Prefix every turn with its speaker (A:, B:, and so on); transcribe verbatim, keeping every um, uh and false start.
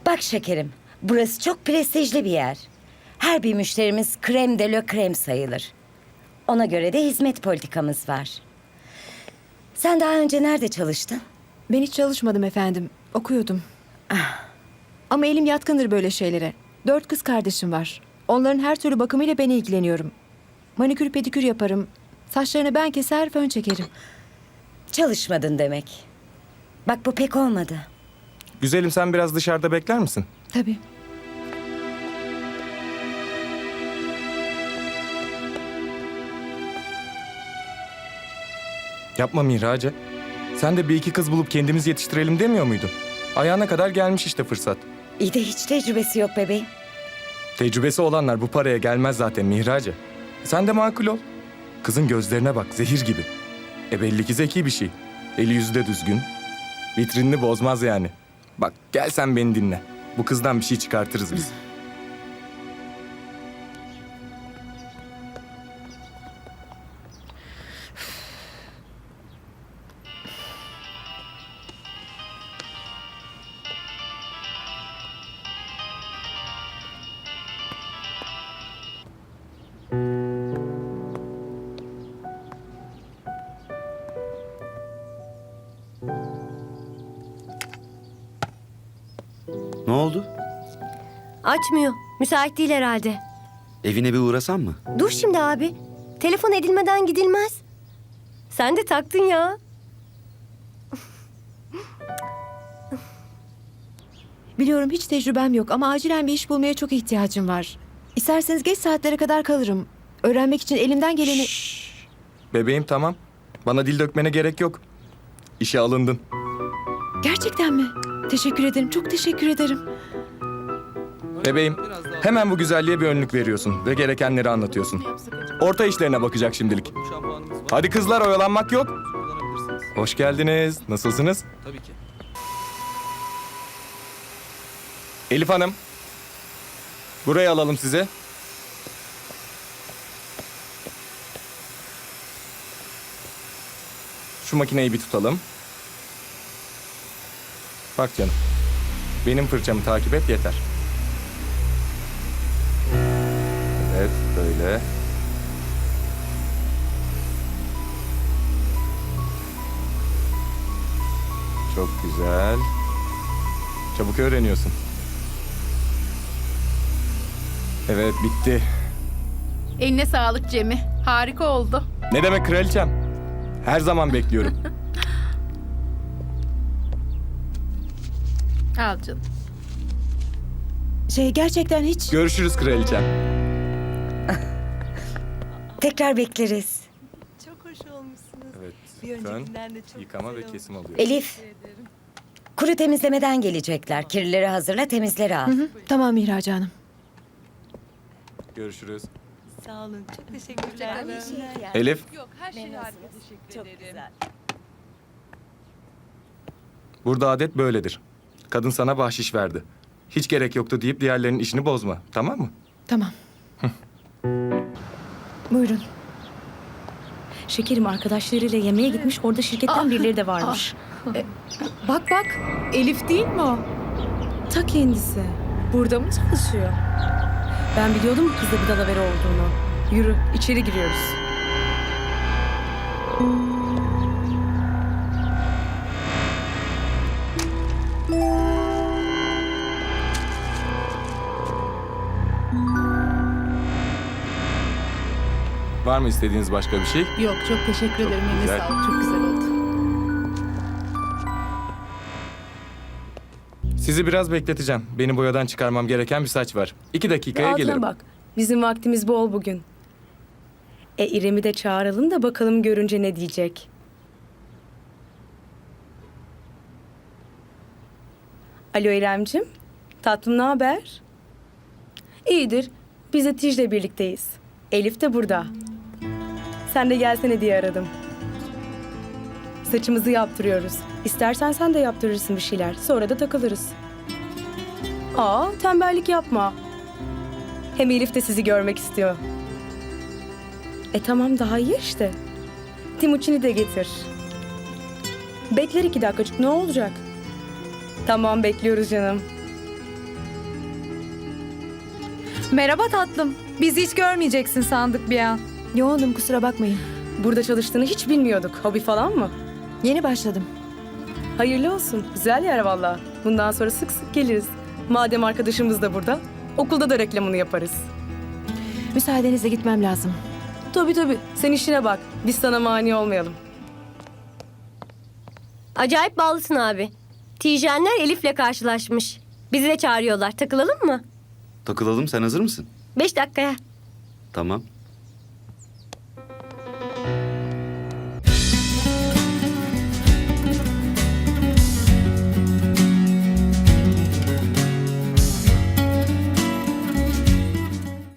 A: Bak şekerim, burası çok prestijli bir yer. Her bir müşterimiz krem de la krem sayılır. Ona göre de hizmet politikamız var. Sen daha önce nerede çalıştın?
B: Ben hiç çalışmadım efendim. Okuyordum. Ama elim yatkındır böyle şeylere. Dört kız kardeşim var. Onların her türlü bakımıyla ben ilgileniyorum. Manikür pedikür yaparım. Saçlarını ben keser, fön çekerim.
A: Çalışmadın demek. Bak bu pek olmadı.
C: Güzelim, sen biraz dışarıda bekler misin?
B: Tabii.
C: Yapma Mihrace. Sen de bir iki kız bulup kendimiz yetiştirelim demiyor muydun? Ayağına kadar gelmiş işte fırsat.
A: İyi de hiç tecrübesi yok bebeğim.
C: Tecrübesi olanlar bu paraya gelmez zaten Mihrace. Sen de makul ol. Kızın gözlerine bak, zehir gibi. E belli ki zeki bir şey. Eli yüzü de düzgün. Vitrinini bozmaz yani. Bak gel sen beni dinle. Bu kızdan bir şey çıkartırız biz.
D: Ne oldu?
E: Açmıyor. Müsait değil herhalde.
D: Evine bir uğrasam mı?
E: Dur şimdi abi. Telefon edilmeden gidilmez. Sen de taktın ya.
B: Biliyorum hiç tecrübem yok ama acilen bir iş bulmaya çok ihtiyacım var. İsterseniz geç saatlere kadar kalırım. Öğrenmek için elimden geleni...
C: Bebeğim tamam. Bana dil dökmene gerek yok. İşe alındın.
B: Gerçekten mi? Teşekkür ederim, çok teşekkür ederim.
C: Bebeğim, hemen bu güzelliğe bir önlük veriyorsun ve gerekenleri anlatıyorsun. Orta işlerine bakacak şimdilik. Hadi kızlar, oyalanmak yok. Hoş geldiniz. Nasılsınız?
F: Tabii ki.
C: Elif Hanım. Buraya alalım sizi. Şu makineyi bir tutalım. Bak canım. Benim fırçamı takip et yeter. Evet, böyle. Çok güzel. Çabuk öğreniyorsun. Evet, bitti.
G: Eline sağlık Cem'i. Harika oldu.
C: Ne demek kraliçem? Her zaman bekliyorum.
G: Al canım.
B: Şey gerçekten hiç...
C: Görüşürüz kraliçem.
A: Tekrar bekleriz.
H: Çok hoş olmuşsunuz.
C: Evet,
H: Bir
C: fön,
H: öncekinden de çok
C: yıkama
H: güzel
C: ve kesim
H: olmuş.
C: alıyor.
A: Elif, kuru temizlemeden gelecekler. Kirlileri hazırla, temizleri al.
B: Hı hı, tamam Mihraç Hanım.
C: Görüşürüz.
H: Sağ olun. Çok teşekkürler.
C: Elif,
G: Yok her şey harika. Teşekkür
H: Çok
G: ederim.
H: güzel.
C: burada adet böyledir. Kadın sana bahşiş verdi. Hiç gerek yoktu deyip diğerlerinin işini bozma, tamam mı?
B: Tamam. Buyurun.
I: Şekerim arkadaşlarıyla yemeğe gitmiş. Orada şirketten
B: Aa,
I: birileri de varmış.
B: Bak bak, Elif değil mi o?
I: Ta kendisi. Burada mı çalışıyor? Ben biliyordum bu kızda bir dalavere olduğunu. Yürü, içeri giriyoruz.
C: Var mı istediğiniz başka bir şey?
G: Yok çok teşekkür ederim. Eline
C: güzel.
G: sağlık. Çok güzel oldu.
C: Sizi biraz bekleteceğim. Beni boyadan çıkarmam gereken bir saç var. İki dakikaya
I: Rahatına
C: gelirim.
I: bak. Bizim vaktimiz bol bugün. E İrem'i de çağıralım da bakalım görünce ne diyecek. Alo İremcim. Tatlım ne haber? İyidir. Biz de Tij'le birlikteyiz. Elif de burada. Sen de gelsene diye aradım. Saçımızı yaptırıyoruz. İstersen sen de yaptırırsın bir şeyler. Sonra da takılırız. Aa, tembellik yapma. Hem Elif de sizi görmek istiyor. E tamam, daha iyi işte. Timuçin'i de getir. Bekler iki dakikacık, ne olacak? Tamam, bekliyoruz canım.
F: Merhaba tatlım. Bizi hiç görmeyeceksin sandık bir an.
B: Yoğundum, kusura bakmayın.
I: Burada çalıştığını hiç bilmiyorduk. Hobi falan mı?
B: Yeni başladım.
I: Hayırlı olsun. Güzel yer valla. Bundan sonra sık sık geliriz. Madem arkadaşımız da burada, okulda da reklamını yaparız.
B: Müsaadenizle gitmem lazım.
I: Tabii tabii. Sen işine bak. Biz sana mani olmayalım.
E: Acayip bağlısın abi. Tijenler Elif'le karşılaşmış. Bizi de çağırıyorlar. Takılalım mı?
D: Takılalım, sen hazır mısın?
E: Beş dakikaya.
D: Tamam.